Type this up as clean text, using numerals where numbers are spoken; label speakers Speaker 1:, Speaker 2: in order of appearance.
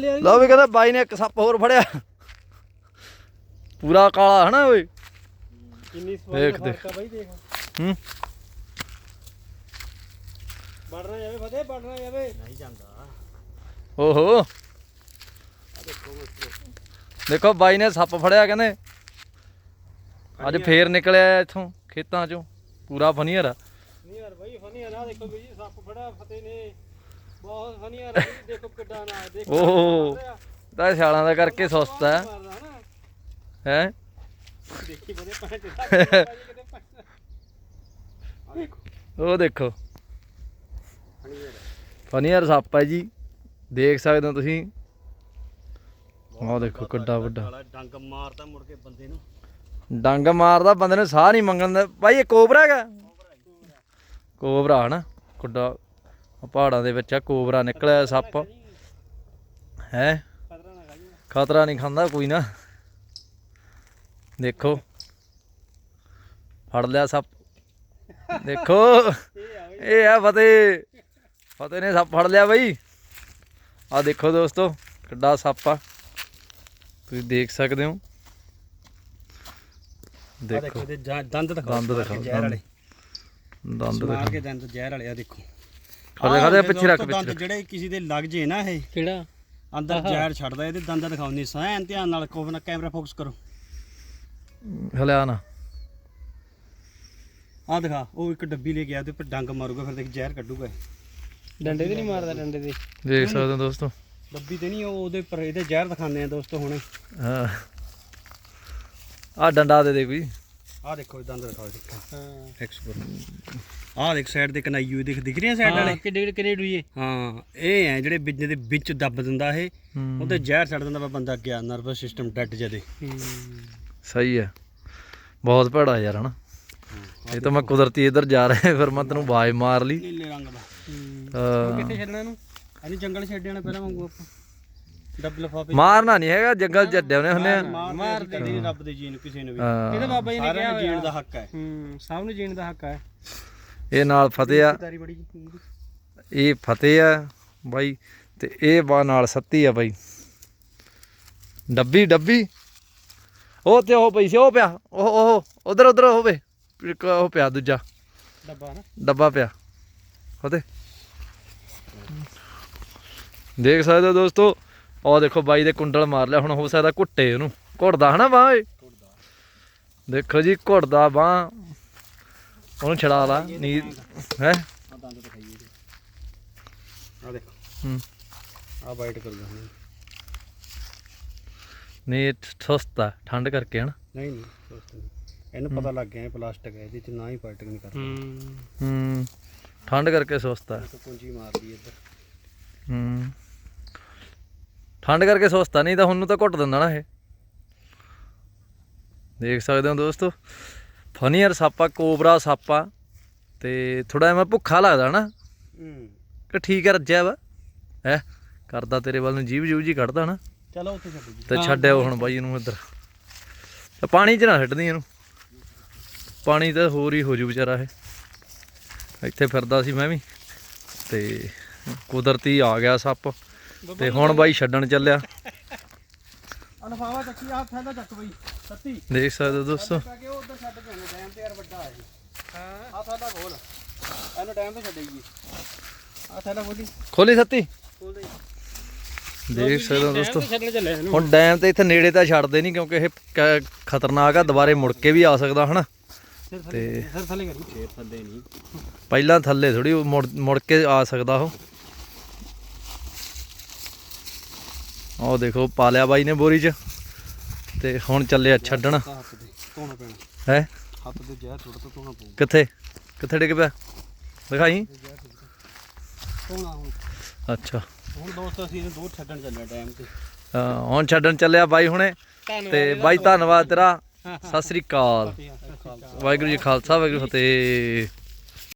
Speaker 1: ਲਿਆ
Speaker 2: ਲਓ ਵੀ ਕਹਿੰਦਾ ਬਾਈ ਨੇ ਇੱਕ ਸੱਪ ਹੋਰ ਫੜਿਆ ਪੂਰਾ ਕਾਲਾ ਹਨਾ ਓਏ
Speaker 1: ਕਿੰਨੀ
Speaker 2: ਦੇਖ
Speaker 1: ਸਵਾਦ ਫਰਕ ਆ ਬਾਈ ਦੇਖ ਵੜਨਾ ਜਾਵੇ ਫਤਿਹ ਵੜਨਾ ਜਾਵੇ ਨਹੀਂ ਜਾਂਦਾ
Speaker 2: ਓਹੋ ਦੇਖੋ ਬਾਈ ਨੇ ਸੱਪ ਫੜਿਆ ਕਹਿੰਦੇ ਅੱਜ ਫੇਰ ਨਿਕਲਿਆ ਇੱਥੋਂ ਖੇਤਾਂ ਚੋਂ ਪੂਰਾ ਫਨੀਅਰ ਆ
Speaker 1: ਨਹੀਂ ਯਾਰ ਬਾਈ ਫਨੀਅਰ ਆ ਦੇਖੋ ਬਈ ਸੱਪ ਫੜਿਆ ਫਤਿਹ ਨੇ ਬਹੁਤ ਫਨੀਅਰ ਆ ਦੇਖੋ ਕਿੱਡਾ ਨਾ ਦੇਖੋ
Speaker 2: ਓਹੋ ਤਾਂ ਛਾਲਾਂ ਦਾ ਕਰਕੇ ਸੁਸਤ ਹੈ ਹੈ
Speaker 1: ਦੇਖੀ ਬਦੇ ਪੈਂਟ
Speaker 2: ਉਹ ਦੇਖੋ ਫਨੀਅਰ ਸੱਪ ਹੈ ਜੀ ਦੇਖ ਸਕਦੇ ਹੋ ਤੁਸੀਂ ਆਹ ਦੇਖੋ ਕਿੱਡਾ ਵੱਡਾ
Speaker 1: ਡੰਗ ਮਾਰਦਾ ਮੁੜ ਕੇ ਬੰਦੇ ਨੂੰ
Speaker 2: ਡੰਗ ਮਾਰਦਾ ਬੰਦੇ ਨੂੰ ਸਾਹ ਨਹੀਂ ਮੰਗਣ ਦਾ ਭਾਈ ਇਹ ਕੋਬਰਾ ਹੈਗਾ ਕੋਬਰਾ ਹਨਾ ਕਿੱਡਾ ਪਹਾੜਾਂ ਦੇ ਵਿੱਚ ਆ ਕੋਬਰਾ ਨਿਕਲਿਆ ਸੱਪ ਹੈ ਖਤਰਾ ਨਹੀਂ ਖਾਂਦਾ ਕੋਈ ਨਾ ਦੇਖੋ ਫੜ ਲਿਆ ਸੱਪ ਦੇਖੋ ਇਹ ਆ ਫਤਿਹ ਨੇ ਸੱਪ ਫੜ ਲਿਆ ਬਈ ਆ ਦੇਖੋ ਦੋਸਤੋ ਕਿੱਡਾ ਸੱਪ ਆ ਤੁਸੀਂ ਦੇਖ ਸਕਦੇ ਹੋ ਦੇਖੋ
Speaker 1: ਦੰਦ ਦਿਖਾਓ ਜ਼ਹਿਰ ਵਾਲੇ
Speaker 2: ਦੰਦ
Speaker 1: ਮਾਰ ਕੇ ਦੰਦ ਜ਼ਹਿਰ ਵਾਲੇ ਆ ਦੇਖੋ
Speaker 2: ਖੜੇ ਪਿੱਛੇ ਰੱਖ
Speaker 1: ਦੰਦ ਜਿਹੜੇ ਕਿਸੇ ਦੇ ਲੱਗ ਜੇ ਨਾ ਇਹ
Speaker 3: ਕਿਹੜਾ
Speaker 1: ਅੰਦਰ ਜ਼ਹਿਰ ਛੱਡਦਾ ਇਹਦੇ ਦੰਦ ਦਿਖਾਉਂਦੇ ਸੈਨ ਧਿਆਨ ਨਾਲ ਕੋਵਨਾ ਕੈਮਰਾ ਫੋਕਸ ਕਰੋ
Speaker 2: ਹਲਿਆ ਨਾ
Speaker 1: ਆ ਦਿਖਾ ਉਹ ਇੱਕ ਡੱਬੀ ਲੈ ਕੇ ਆ ਤੇ ਉੱਪਰ ਡੰਗ ਮਾਰੂਗਾ ਫਿਰ ਦੇਖ ਜ਼ਹਿਰ ਕੱਢੂਗਾ
Speaker 3: ਡੰਡੇ ਤੇ ਨਹੀਂ ਮਾਰਦਾ ਡੰਡੇ ਤੇ
Speaker 2: ਦੇਖ ਸਕਦੇ ਹੋ ਦੋਸਤੋ
Speaker 1: ਡੱਬੀ ਤੇ ਨਹੀਂ ਉਹ ਉਹਦੇ ਉੱਪਰ ਇਹਦੇ ਜ਼ਹਿਰ ਦਿਖਾਉਂਦੇ ਆ ਦੋਸਤੋ ਹੁਣੇ
Speaker 2: ਹਾਂ ਆ ਡੰਡਾ ਦੇ ਕੋਈ
Speaker 1: ਆ ਦੇਖੋ ਇਹ ਦੰਦ ਦਿਖਾਓ ਦੇਖੋ
Speaker 3: ਹਾਂ
Speaker 1: ਐਕਸਪੋਰਟ ਆ ਦੇਖ ਸਾਈਡ ਤੇ ਕਨਾਈਓ ਦਿਖ ਰਹੀਆਂ ਸਾਈਡ ਵਾਲੇ
Speaker 3: ਕਿੱਡੇ ਕਿੱਡੇ ਡੂਏ
Speaker 1: ਹਾਂ ਇਹ ਹੈ ਜਿਹੜੇ ਬਿਜਨੇ ਦੇ ਵਿੱਚ ਦੱਬ ਦਿੰਦਾ ਇਹ ਉਹਦੇ ਜ਼ਹਿਰ ਛੱਡ ਦਿੰਦਾ ਵਾ ਬੰਦਾ ਗਿਆ ਨਰਵਸ ਸਿਸਟਮ ਡੱਟ ਜਦੇ
Speaker 2: ਸਹੀ ਹੈ ਬਹੁਤ ਭੈੜਾ ਯਾਰ ਹਨਾ ਇਹ ਤਾਂ ਮੈਂ ਕੁਦਰਤੀ ਇੱਧਰ ਜਾ ਰਿਹਾ ਫਿਰ ਮੈਂ ਤੈਨੂੰ ਆਵਾਜ਼ ਮਾਰ ਲਈ
Speaker 1: ਨੀਲੇ ਰੰਗ ਦਾ
Speaker 3: ਕਿੱਥੇ ਛੱਡਣਾ ਇਹਨੂੰ
Speaker 1: ਅਸੀਂ ਜੰਗਲ ਛੱਡ ਜਾਣਾ ਪਹਿਲਾਂ ਵਾਂਗੂ ਆਪਾਂ ਡੱਬ ਲਫਾਫੇ
Speaker 2: ਮਾਰਨਾ ਨਹੀਂ ਹੈਗਾ ਜੰਗਲ ਜੱਡੇ ਉਹਨੇ ਹੁੰਦੇ ਆ
Speaker 1: ਮਾਰ ਦੇ ਕਦੀ ਰੱਬ ਦੇ ਜੀਨ ਕਿਸੇ ਨੂੰ ਵੀ
Speaker 3: ਇਹਦਾ ਬਾਬਾ ਜੀ ਨੇ ਕਿਹਾ
Speaker 1: ਜੀਣ ਦਾ ਹੱਕ ਹੈ
Speaker 3: ਸਭ ਨੂੰ ਜੀਣ ਦਾ ਹੱਕ ਹੈ
Speaker 2: ਇਹ ਨਾਲ ਫਤਿਹ ਆ
Speaker 1: ਤਾਰੀ ਬੜੀ
Speaker 2: ਇਹ ਫਤਿਹ ਆ ਬਾਈ ਤੇ ਇਹ ਬਾ ਨਾਲ ਸੱਤੀ ਆ ਬਾਈ ਡੱਬੀ ਉਹ ਤੇ ਉਹ ਪਈ ਸੀ ਉਹ ਪਿਆ ਉਹ ਉਧਰ ਹੋਵੇ ਉਹ ਪਿਆ ਦੂਜਾ
Speaker 1: ਡੱਬਾ ਨਾ
Speaker 2: ਡੱਬਾ ਪਿਆ ਫਤਿਹ ਦੇਖ ਸਕਦੇ ਹੋ ਦੋਸਤੋ ਉਹ ਦੇਖੋ ਬਾਈ ਦੇ ਕੁੰਡਲ ਮਾਰ ਲਿਆ ਹੁਣ ਹੋ ਸਕਦਾ ਘੁੱਟੇ ਉਹਨੂੰ ਘੁੱਟਦਾ ਹਨਾ ਬਾਂਹ ਓਏ ਦੇਖੋ ਜੀ ਘੁੱਟਦਾ ਬਾਂਹ ਉਹਨੂੰ ਛੜਾ ਲਾ ਨੀਂਦ ਹੈ
Speaker 1: ਆ ਦੰਦ ਦਿਖਾਈਏ ਆ ਦੇਖੋ ਆ ਬਾਈਟ ਕਰੂਗਾ ਹੁਣ
Speaker 2: ਨਹੀਂ ਸੁਸਤਾ ਠੰਡ ਕਰਕੇ ਹਨਾ
Speaker 1: ਨਹੀਂ ਇਹਨੂੰ ਪਤਾ ਲੱਗ ਗਿਆ ਪਲਾਸਟਿਕ ਹੈ ਇਹਦੇ ਚ ਨਾ ਹੀ ਪਾਰਟਿਕ ਨਹੀਂ ਕਰਦਾ
Speaker 2: ਠੰਡ ਕਰਕੇ ਸੁਸਤਾ
Speaker 1: ਕੁੰਜੀ ਮਾਰਦੀ ਇੱਧਰ
Speaker 2: ਠੰਡ ਕਰਕੇ ਸੁਸਤਾ ਨਹੀਂ ਤਾਂ ਹੁਣ ਨੂੰ ਤਾਂ ਘੁੱਟ ਦਿੰਦਾ ਨਾ ਇਹ ਦੇਖ ਸਕਦੇ ਹੋ ਦੋਸਤੋ ਫਨੀਅਰ ਸੱਪ ਆ ਕੋਬਰਾ ਸੱਪ ਆ ਤੇ ਥੋੜਾ ਜਿਹਾ ਭੁੱਖਾ ਲੱਗਦਾ ਨਾ ਕਿ ਠੀਕ ਹੈ ਰੱਜਿਆ ਵਾ ਹੈ ਕਰਦਾ ਤੇਰੇ ਵੱਲ ਨੂੰ ਜੀਭ ਜੀ ਕੱਢਦਾ ਨਾ
Speaker 1: ਚਲੋ ਉੱਥੇ ਛੱਡ ਜੀ
Speaker 2: ਤੇ ਛੱਡਿਆ ਹੁਣ ਬਾਈ ਇਹਨੂੰ ਇੱਧਰ ਪਾਣੀ 'ਚ ਨਾ ਛੱਡਦੀ ਇਹਨੂੰ ਪਾਣੀ ਤਾਂ ਹੋਰ ਹੀ ਹੋ ਜੂ ਵਿਚਾਰਾ ਇਹ ਇੱਥੇ ਫਿਰਦਾ ਸੀ ਮੈਂ ਵੀ ਤੇ ਕੁਦਰਤੀ ਆ ਗਿਆ ਸੱਪ ਤੇ ਹੁਣ ਬਾਈ ਛੱਡਣ ਚੱਲਿਆ
Speaker 1: ਅਲਫਾਵਾ ਚੱਕੀ ਆ ਥੈਲਾ ਚੱਕ ਬਈ ਸੱਤੀ
Speaker 2: ਦੇਖ ਸਕਦੇ ਹੋ ਦੋਸਤੋ
Speaker 1: ਕਿ ਉਹ ਉਧਰ ਛੱਡ ਕੇ ਆਉਣਾ ਡੈਮ ਤੇ ਯਾਰ ਵੱਡਾ ਹੈ ਹਾਂ ਆ ਥੈਲਾ ਖੋਲ ਇਹਨੂੰ ਡੈਮ ਤੇ ਛੱਡੇਗੀ ਆ ਥੈਲਾ
Speaker 2: ਖੋਲੀ ਸੱਤੀ
Speaker 1: ਖੋਲ ਦੇ
Speaker 2: ਦੇਖ ਸਕਦੇ ਹੋ ਦੋਸਤੋ
Speaker 3: ਛੱਡਣ ਚੱਲੇ ਇਹਨੂੰ
Speaker 2: ਹੁਣ ਡੈਮ ਤੇ ਇੱਥੇ ਨੇੜੇ ਤਾਂ ਛੱਡਦੇ ਨਹੀਂ ਕਿਉਂਕਿ ਇਹ ਖਤਰਨਾਕ ਆ ਦੁਬਾਰੇ ਮੁੜ ਕੇ ਵੀ ਆ ਸਕਦਾ ਹਨਾ ਤੇ
Speaker 1: ਸਰ ਥੱਲੇ ਕਰੀ ਫੇਰ ਥੱਲੇ ਨਹੀਂ
Speaker 2: ਪਹਿਲਾਂ ਥੱਲੇ ਥੋੜੀ ਮੁੜ ਕੇ ਆ ਸਕਦਾ ਉਹ ਦੇਖੋ ਪਾ ਲਿਆ ਬਾਈ ਨੇ ਬੋਰੀ 'ਚ ਤੇ ਹੁਣ ਚੱਲਿਆ ਛੱਡਣ
Speaker 1: ਹੱਥ ਤੇ ਧੋਣਾ ਪੈਣਾ
Speaker 2: ਹੈ
Speaker 1: ਹੱਥ ਤੇ ਜ਼ਹਿਰ ਥੋੜਾ ਤੋਂ ਧੋਣਾ ਪਊ
Speaker 2: ਕਿੱਥੇ ਡਿੱਗ ਪਿਆ ਦਿਖਾਈ
Speaker 1: ਧੋਣਾ ਹੁਣ
Speaker 2: ਅੱਛਾ
Speaker 1: ਹੁਣ ਦੋਸਤ ਅਸੀਂ ਇਹਨੂੰ ਦੂਰ ਛੱਡਣ ਚੱਲੇ ਡੈਮ ਤੇ
Speaker 2: ਹੁਣ ਛੱਡਣ ਚੱਲਿਆ ਬਾਈ ਹੁਣੇ ਤੇ ਬਾਈ ਧੰਨਵਾਦ ਤੇਰਾ ਸਤਿ ਸ੍ਰੀ ਅਕਾਲ ਵਾਹਿਗੁਰੂ ਜੀ ਖਾਲਸਾ ਵਾਹਿਗੁਰੂ ਫਤਿਹ।